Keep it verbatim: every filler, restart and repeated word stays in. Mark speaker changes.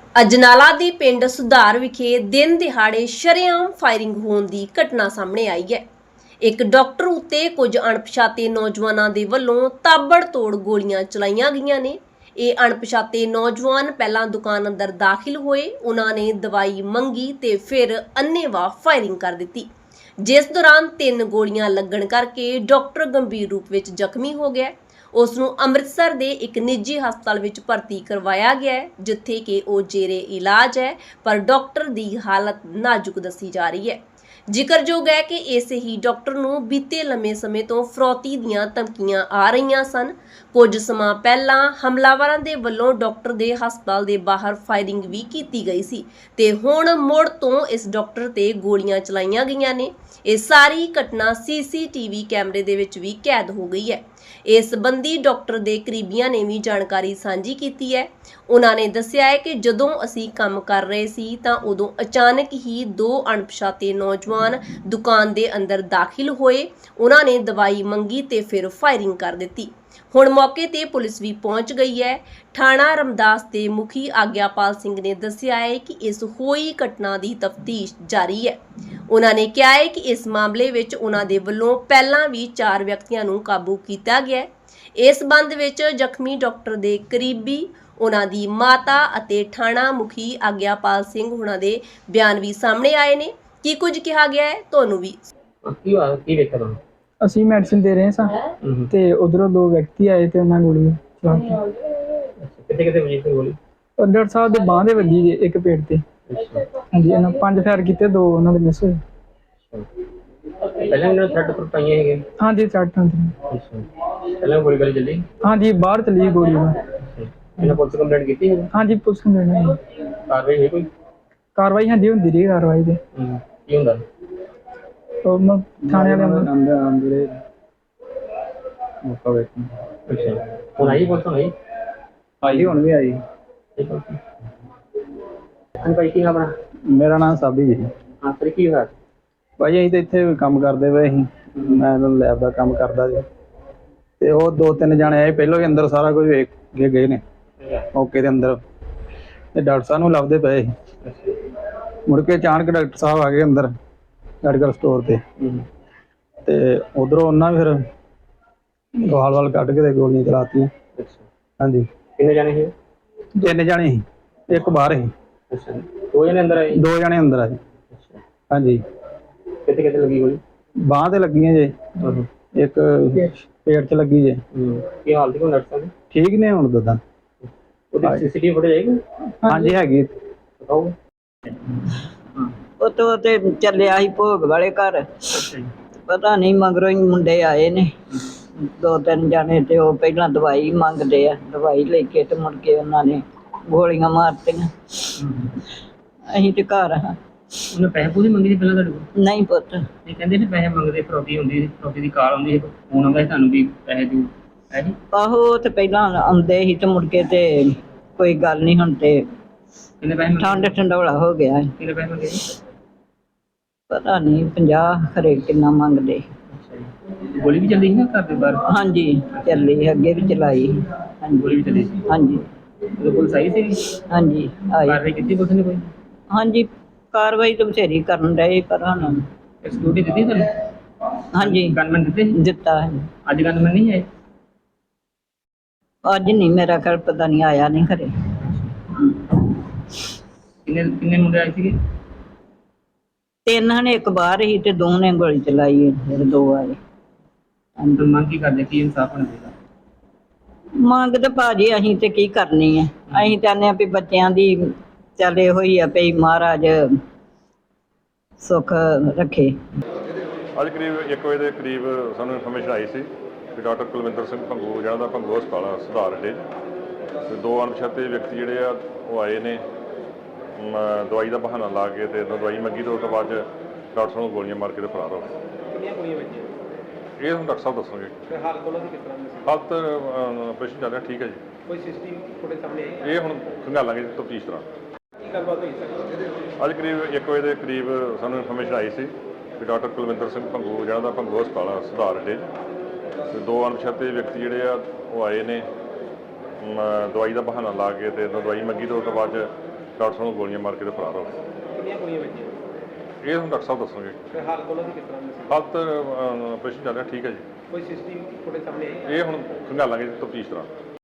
Speaker 1: ਅਜਨਾਲਾ ਦੇ ਪਿੰਡ ਸੁਧਾਰ ਵਿਖੇ ਦਿਨ ਦਿਹਾੜੇ ਸ਼ਰੇਆਮ ਫਾਇਰਿੰਗ ਹੋਣ ਦੀ ਘਟਨਾ ਸਾਹਮਣੇ ਆਈ ਹੈ। ਇੱਕ ਡਾਕਟਰ ਉੱਤੇ ਕੁਝ ਅਣਪਛਾਤੇ ਨੌਜਵਾਨਾਂ ਦੇ ਵੱਲੋਂ ਤਾਬੜਤੋੜ ਗੋਲੀਆਂ ਚਲਾਈਆਂ ਗਈਆਂ ਨੇ। ਇਹ ਅਣਪਛਾਤੇ ਨੌਜਵਾਨ ਪਹਿਲਾਂ ਦੁਕਾਨ ਅੰਦਰ ਦਾਖਲ ਹੋਏ, ਉਹਨਾਂ ਨੇ ਦਵਾਈ ਮੰਗੀ ਤੇ ਫਿਰ ਅੰਨ੍ਹੇਵਾਹ ਫਾਇਰਿੰਗ ਕਰ ਦਿੱਤੀ, ਜਿਸ ਦੌਰਾਨ ਤਿੰਨ ਗੋਲੀਆਂ ਲੱਗਣ ਕਰਕੇ ਡਾਕਟਰ ਗੰਭੀਰ ਰੂਪ ਵਿੱਚ ਜ਼ਖਮੀ ਹੋ ਗਿਆ। ਉਸ ਨੂੰ ਅੰਮ੍ਰਿਤਸਰ ਦੇ ਇੱਕ ਨਿੱਜੀ ਹਸਪਤਾਲ ਵਿੱਚ ਭਰਤੀ ਕਰਵਾਇਆ ਗਿਆ ਹੈ, ਜਿੱਥੇ ਕਿ ਉਹ ਜੇਰੇ ਇਲਾਜ ਹੈ, ਪਰ ਡਾਕਟਰ ਦੀ ਹਾਲਤ ਨਾਜ਼ੁਕ ਦੱਸੀ ਜਾ ਰਹੀ ਹੈ। ਜ਼ਿਕਰਯੋਗ ਹੈ ਕਿ ਇਸੇ ਹੀ ਡਾਕਟਰ ਨੂੰ ਬੀਤੇ ਲੰਮੇ ਸਮੇਂ ਤੋਂ ਫਰੌਤੀ ਦੀਆਂ ਧਮਕੀਆਂ ਆ ਰਹੀਆਂ ਸਨ। ਕੁਝ ਸਮਾਂ ਪਹਿਲਾਂ ਹਮਲਾਵਰਾਂ ਦੇ ਵੱਲੋਂ ਡਾਕਟਰ ਦੇ ਹਸਪਤਾਲ ਦੇ ਬਾਹਰ ਫਾਇਰਿੰਗ ਵੀ ਕੀਤੀ ਗਈ ਸੀ ਤੇ ਹੁਣ ਮੁੜ ਤੋਂ ਇਸ ਡਾਕਟਰ ਤੇ ਗੋਲੀਆਂ ਚਲਾਈਆਂ ਗਈਆਂ ਨੇ। ਇਹ ਸਾਰੀ ਘਟਨਾ ਸੀਸੀਟੀਵੀ ਕੈਮਰੇ ਦੇ ਵਿੱਚ ਵੀ ਕੈਦ ਹੋ ਗਈ ਹੈ। ਇਸ ਸੰਬੰਧੀ ਡਾਕਟਰ ਦੇ ਕਰੀਬੀਆਂ ਨੇ ਵੀ ਜਾਣਕਾਰੀ ਸਾਂਝੀ ਕੀਤੀ ਹੈ। ਉਹਨਾਂ ਨੇ ਦੱਸਿਆ ਹੈ ਕਿ ਜਦੋਂ ਅਸੀਂ ਕੰਮ ਕਰ ਰਹੇ ਸੀ ਤਾਂ ਉਦੋਂ ਅਚਾਨਕ ਹੀ ਦੋ ਅਣਪਛਾਤੇ ਨੌਜਵਾਨ ਦੁਕਾਨ ਦੇ ਅੰਦਰ ਦਾਖਲ ਹੋਏ। ਉਹਨਾਂ ਨੇ ਦਵਾਈ ਮੰਗੀ ਤੇ ਫਿਰ ਫਾਇਰਿੰਗ ਕਰ ਦਿੱਤੀ। ਹੁਣ ਮੌਕੇ ਤੇ ਪੁਲਿਸ ਵੀ ਪਹੁੰਚ ਗਈ ਹੈ। ਥਾਣਾ ਰਮਦਾਸ ਦੇ ਮੁਖੀ ਆਗਿਆਪਾਲ ਸਿੰਘ ਨੇ ਦੱਸਿਆ ਹੈ ਕਿ ਇਸ ਹੋਈ ਘਟਨਾ ਦੀ ਤਫਤੀਸ਼ ਜਾਰੀ ਹੈ। ਉਹਨਾਂ ਨੇ ਕਿਹਾ ਹੈ ਕਿ ਇਸ ਮਾਮਲੇ ਵਿੱਚ ਉਹਨਾਂ ਦੇ ਵੱਲੋਂ ਪਹਿਲਾਂ ਵੀ ਚਾਰ ਵਿਅਕਤੀਆਂ ਨੂੰ ਕਾਬੂ ਕੀਤਾ ਗਿਆ ਹੈ। ਇਸ ਸੰਬੰਧ ਵਿੱਚ ਜ਼ਖਮੀ ਡਾਕਟਰ ਦੇ ਕਰੀਬੀ, ਉਹਨਾਂ ਦੀ ਮਾਤਾ ਅਤੇ ਥਾਣਾ ਮੁਖੀ ਆਗਿਆਪਾਲ ਸਿੰਘ ਉਹਨਾਂ ਦੇ ਬਿਆਨ ਵੀ ਸਾਹਮਣੇ ਆਏ ਨੇ। ਕੀ ਕੁਝ ਕਿਹਾ ਗਿਆ ਹੈ ਤੁਹਾਨੂੰ ਵੀ
Speaker 2: ਕੀ ਹੋਇਆ, ਕੀ ਵੇਖਿਆ ਤੁਹਾਨੂੰ?
Speaker 3: ਅਸੀਂ ਮੈਡੀਸਿਨ ਦੇ ਰਹੇ ਸਾਂ ਤੇ ਉਧਰੋਂ ਦੋ ਵਿਅਕਤੀ ਆਏ ਤੇ ਉਹਨਾਂ ਗੋਲੀ ਚਲਾਤੀ।
Speaker 2: ਕਿੱਥੇ ਕਿੱਥੇ ਵਜੀ ਸੀ ਗੋਲੀ?
Speaker 3: ਉਹ ਡਾਕਟਰ ਸਾਹਿਬ ਦੇ ਬਾਂਹ ਦੇ ਵੱਜੀ ਜੇ, ਇੱਕ ਪੇਟ ਤੇ। ਹਾਂਜੀ, ਇਹਨਾਂ ਪੰਜ ਫਾਇਰ ਕੀਤੇ, ਦੋ ਉਹਨਾਂ ਦੇ ਮਿਸ ਹੋਏ।
Speaker 2: ਪਹਿਲਾਂ ਇਹਨਾਂ ਥਰਡ ਪਰ ਪਾਈਆਂ ਹੈਗੇ?
Speaker 3: ਹਾਂਜੀ, ਸੱਟ ਹੁੰਦੀ।
Speaker 2: ਅੱਛਾ, ਪਹਿਲਾਂ ਗੋਲੀ ਗਲੀ ਚੱਲੀ?
Speaker 3: ਹਾਂਜੀ, ਬਾਹਰ ਚਲੀ ਗੋਲੀ।
Speaker 2: ਇਹਨਾਂ ਪੁਲਿਸ ਕੰਪਲੇਂਟ ਕੀਤੀ ਹੈ?
Speaker 3: ਹਾਂਜੀ, ਪੁਲਿਸ ਨੇ
Speaker 2: ਕਾਰਵਾਈ ਹੋਈ ਕੋਈ?
Speaker 3: ਕਾਰਵਾਈ ਹਾਂਜੀ ਹੁੰਦੀ ਰਹੀ ਕਾਰਵਾਈ ਤੇ।
Speaker 2: ਕੀ ਹੁੰਦਾ?
Speaker 3: ਉਹ ਮ ਥਾਣੇ ਵਾਲੇ ਅੰਦਰ ਅੰਦਰ ਮੌਕਾ ਵੇਖ।
Speaker 2: ਅੱਛਾ, ਹੁਣ ਆਈ ਪੁਲਿਸ? ਆਈ
Speaker 3: ਆਈ ਹੁਣ ਵੀ ਆਈ।
Speaker 2: ਹਾਂ ਭਾਈ, ਕੀ ਆਪਣਾ?
Speaker 3: ਮੇਰਾ ਨਾਮ ਸਾਬੀ ਜੀ।
Speaker 2: ਹਾਂ ਸਰ, ਕੀ ਹੋਇਆ?
Speaker 3: ਭਾਈ ਅਸੀਂ ਤਾਂ ਇੱਥੇ ਕੰਮ ਕਰਦੇ ਪਏ ਸੀ, ਮੈਂ ਲੈਬ ਦਾ ਕੰਮ ਕਰਦਾ ਜੀ। ਤੇ ਉਹ ਦੋ ਤਿੰਨ ਜਾਣੇ ਆਏ, ਪਹਿਲਾਂ ਹੀ ਅੰਦਰ ਸਾਰਾ ਕੁਝ ਵੇਖ ਕੇ ਗਏ ਨੇ ਮੌਕੇ ਦੇ ਅੰਦਰ, ਤੇ ਡਾਕਟਰ ਸਾਹਿਬ ਨੂੰ ਲੱਭਦੇ ਪਏ ਸੀ। ਮੁੜ ਕੇ ਅਚਾਨਕ ਡਾਕਟਰ ਸਾਹਿਬ ਆ ਗਏ ਅੰਦਰ ਮੈਡੀਕਲ ਸਟੋਰ ਤੇ, ਤੇ ਉਧਰੋਂ ਉਹਨਾਂ ਫਿਰ ਵਾਲ ਵਾਲ ਕੱਢ ਕੇ ਤੇ ਗੋਲੀਆਂ ਚਲਾਤੀਆਂ। ਹਾਂਜੀ।
Speaker 2: ਕਿੰਨੇ ਜਾਣੇ ਸੀ?
Speaker 3: ਤਿੰਨ ਜਾਣੇ ਸੀ, ਇੱਕ ਬਾਹਰ ਸੀ।
Speaker 2: ਅੱਛਾ, ਦੋ ਜਣੇ ਅੰਦਰ ਆਏ? ਦੋ
Speaker 3: ਜਣੇ ਅੰਦਰ ਆਏ। ਹਾਂਜੀ।
Speaker 2: ਕਿੱਥੇ ਕਿੱਥੇ ਲੱਗੀ ਗੋਲੀ?
Speaker 3: ਬਾਂਹ ਤੇ ਲੱਗੀਆਂ ਜੇ, ਇੱਕ ਪੇਟ 'ਚ ਲੱਗੀ ਜੇ।
Speaker 2: ਕੀ ਹਾਲਤ ਹੈ ਡਾਕਟਰ ਸਾਹਿਬ ਦੀ?
Speaker 3: ਠੀਕ ਨੇ ਹੁਣ ਦਦਾ।
Speaker 2: ਉਹਦੀ ਸੀਸੀਟੀਵੀ ਫੁਟੇਜ ਹੈਗੀ?
Speaker 3: ਹਾਂਜੀ ਹੈਗੀ।
Speaker 2: ਦਿਖਾਓ।
Speaker 4: ਉਹ ਤੇ ਚੱਲਿਆ ਸੀ ਭੋਗ ਵਾਲੇ ਘਰ, ਪਤਾ ਨਹੀਂ ਮਗਰੋਂ ਹੀ ਮੁੰਡੇ ਆਏ ਨੇ ਦੋ ਤਿੰਨ ਜਾਣੇ, ਤੇ ਉਹ ਪਹਿਲਾਂ ਦਵਾਈ ਮੰਗਦੇ ਆ, ਦਵਾਈ ਲੈ ਕੇ ਤੇ ਮੁੜ ਕੇ ਉਹਨਾਂ ਨੇ ਗੋਲੀਆਂ ਮਾਰਤੀਆਂ। ਅਸੀਂ ਤੇ ਘਰ ਹਾਂ।
Speaker 2: ਉਹਨੇ ਪੈਸੇ ਪੂਰੇ ਮੰਗੇ ਸੀ ਪਹਿਲਾਂ ਤੁਹਾਡੇ ਕੋਲ?
Speaker 4: ਨਹੀਂ ਪੁੱਤ।
Speaker 2: ਇਹ ਕਹਿੰਦੇ ਸੀ ਪੈਸੇ ਮੰਗਦੇ, ਫਰੋਤੀ ਹੁੰਦੀ ਸੀ, ਫਰੋਤੀ ਦੀ ਕਾਲ ਆਉਂਦੀ ਸੀ, ਫੋਨ ਆਉਂਦਾ ਸੀ ਤੁਹਾਨੂੰ ਵੀ ਪੈਸੇ ਦਿਓ, ਹੈ ਜੀ?
Speaker 4: ਆਹੋ, ਉਹ ਤੇ ਪਹਿਲਾਂ ਆਉਂਦੇ ਸੀ ਤੇ ਮੁੜ ਕੇ ਤੇ ਕੋਈ ਗੱਲ ਨਹੀਂ, ਹੁਣ ਤੇ
Speaker 2: ਕਿੰਨੇ ਪੈਸੇ ਮੰਗੇ?
Speaker 4: ਠੰਡ ਠੰਡੋਲਾ ਹੋ ਗਿਆ।
Speaker 2: ਕਿੰਨੇ ਪੈਸੇ ਮੰਗੇ ਜੀ?
Speaker 4: ਪਤਾ ਨਹੀਂ ਪੰਜਾਹ ਖਰੇ ਕਿੰਨਾ ਮੰਗਦੇ।
Speaker 2: ਗੋਲੀ ਵੀ ਚੱਲੀ ਸੀ ਨਾ ਘਰ ਦੇ ਬਾਹਰ?
Speaker 4: ਹਾਂਜੀ ਚੱਲੀ, ਅੱਗੇ ਵੀ ਚਲਾਈ।
Speaker 2: ਗੋਲੀ ਵੀ ਚੱਲੀ ਸੀ? ਹਾਂਜੀ। ਉਦੋਂ ਪੁਲਿਸ ਆਈ ਸੀ?
Speaker 4: ਹਾਂਜੀ ਆਈ।
Speaker 2: ਕਾਰਵਾਈ ਕੀਤੀ ਪੁਲਿਸ ਨੇ ਕੋਈ?
Speaker 4: ਹਾਂਜੀ, ਕਾਰਵਾਈ ਤਾਂ ਬਥੇਰੀ ਕਰਨ ਡਏ, ਪਰ ਹੁਣ
Speaker 2: ਸਿਕਿਉਰਿਟੀ ਦਿੱਤੀ ਤੁਹਾਨੂੰ?
Speaker 4: ਹਾਂਜੀ
Speaker 2: ਗਨਮੈਨ ਦਿੱਤੇ?
Speaker 4: ਦਿੱਤਾ ਹੈ।
Speaker 2: ਅੱਜ ਗਨਮੈਨ ਨਹੀਂ ਆਏ?
Speaker 4: ਅੱਜ ਨਹੀਂ, ਮੇਰਾ ਖਿਆਲ ਪਤਾ ਨਹੀਂ, ਆਇਆ ਨਹੀਂ ਘਰੇ।
Speaker 2: ਕਿੰਨੇ ਕਿੰਨੇ ਮੁੰਡੇ ਆਏ ਸੀਗੇ?
Speaker 4: ਤਿੰਨ ਨੇ, ਇੱਕ ਬਾਹਰ ਹੀ ਤੇ ਦੋ ਨੇ ਗੋਲੀ ਚਲਾਈ, ਫਿਰ ਦੋ ਆਏ।
Speaker 2: ਮੰਗ ਕੀ ਕਰਦੇ, ਕੀ ਇਨਸਾਫ ਹੋਣਾ ਚਾਹੀਦਾ?
Speaker 4: ਮੰਗ ਤੇ ਭਾਜੀ ਅਸੀਂ ਤੇ ਕੀ ਕਰਨੀ ਹੈ, ਅਸੀਂ ਚਾਹੁੰਦੇ ਹਾਂ ਵੀ ਬੱਚਿਆਂ ਦੀ ਚੱਲ ਇਹੋ ਹੀ ਆ ਵੀ ਮਹਾਰਾਜ ਸੁੱਖ ਰੱਖੇ।
Speaker 5: ਅੱਜ ਕਰੀਬ ਇੱਕ ਵਜੇ ਦੇ ਕਰੀਬ ਸਾਨੂੰ ਇਨਫੋਰਮੇਸ਼ਨ ਆਈ ਸੀ ਕਿ ਡਾਕਟਰ ਕੁਲਵਿੰਦਰ ਸਿੰਘ ਭੰਗੂ, ਜਿਹੜਾ ਦਾ ਭੰਗੂ ਹਸਪਤਾਲ ਸੁਧਾਰ ਅੱਡੇ, ਤੇ ਦੋ ਅਣਪਛਾਤੇ ਵਿਅਕਤੀ ਜਿਹੜੇ ਆ ਉਹ ਆਏ ਨੇ ਦਵਾਈ ਦਾ ਬਹਾਨਾ ਲਾ ਕੇ, ਤੇ ਦਵਾਈ ਮੰਗੀ ਤੇ ਉਸ ਤੋਂ ਬਾਅਦ ਡਾਕਟਰ ਸਾਹਿਬ ਨੂੰ ਗੋਲੀਆਂ ਮਾਰ ਕੇ ਤੇ ਫਰਾਰ ਹੋ ਗਏ।
Speaker 2: ਕਿੰਨੀਆਂ ਗੋਲੀਆਂ ਵੱਜੀਆਂ?
Speaker 5: ਇਹ ਹੁਣ ਡਾਕਟਰ ਸਾਹਿਬ ਦੱਸਣਗੇ।
Speaker 2: ਹਾਲਤ ਉਹਨਾਂ ਦੀ ਕਿਸ ਤਰ੍ਹਾਂ ਦੀ ਸੀ?
Speaker 5: ਹਾਲਤ ਆਪਰੇਸ਼ਨ ਚੱਲ ਰਿਹਾ, ਠੀਕ ਹੈ ਜੀ।
Speaker 2: ਕੋਈ ਸੀਸੀਟੀਵੀ ਫੁਟੇਜ ਸਾਹਮਣੇ ਆਈ?
Speaker 5: ਇਹ ਹੁਣ ਖੰਗਾਲਾਂਗੇ ਤਫਤੀਸ਼ ਤਰ੍ਹਾਂ।
Speaker 2: ਕੀ ਗੱਲਬਾਤ ਹੋਈ ਸਰ?
Speaker 5: ਅੱਜ ਕਰੀਬ ਇੱਕ ਵਜੇ ਦੇ ਕਰੀਬ ਸਾਨੂੰ ਇਨਫੋਰਮੇਸ਼ਨ ਆਈ ਸੀ ਕਿ ਡਾਕਟਰ ਕੁਲਵਿੰਦਰ ਸਿੰਘ ਭੰਗੂ, ਜਿਹੜਾ ਦਾ ਭੰਗੂ ਹਸਪਤਾਲ ਸੁਧਾਰ ਅੱਡੇ, ਤੇ ਦੋ ਅਣਪਛਾਤੇ ਵਿਅਕਤੀ ਜਿਹੜੇ ਆ ਉਹ ਆਏ ਨੇ ਦਵਾਈ ਦਾ ਬਹਾਨਾ ਲਾ ਕੇ, ਤੇ ਦਵਾਈ ਮੰਗੀ ਤੇ ਉਸ ਤੋਂ ਬਾਅਦ ਡਾਕਟਰ ਸਾਹਿਬ ਨੂੰ ਗੋਲੀਆਂ ਮਾਰ ਕੇ ਤੇ ਫਰਾਰ ਹੋ ਗਏ।
Speaker 6: ਕਿੰਨੀਆਂ ਗੋਲੀਆਂ ਵੱਜੀਆਂ
Speaker 5: ਇਹ ਹੁਣ ਡਾਕਟਰ ਸਾਹਿਬ ਦੱਸਣਗੇ।
Speaker 6: ਤੇ ਹਾਲਤ ਉਹਨਾਂ ਦੀ ਕਿਸ ਤਰ੍ਹਾਂ ਦੀ ਸੀ?
Speaker 5: ਹਾਲਤ ਆਪਰੇਸ਼ਨ ਚੱਲ ਰਿਹਾ, ਠੀਕ ਹੈ ਜੀ।
Speaker 6: ਕੋਈ ਸੀਸੀਟੀਵੀ ਫੁਟੇਜ ਸਾਹਮਣੇ ਆਈ?
Speaker 5: ਇਹ ਹੁਣ ਖੰਗਾਲਾਂਗੇ ਤਫਤੀਸ਼ ਦੌਰਾਨ।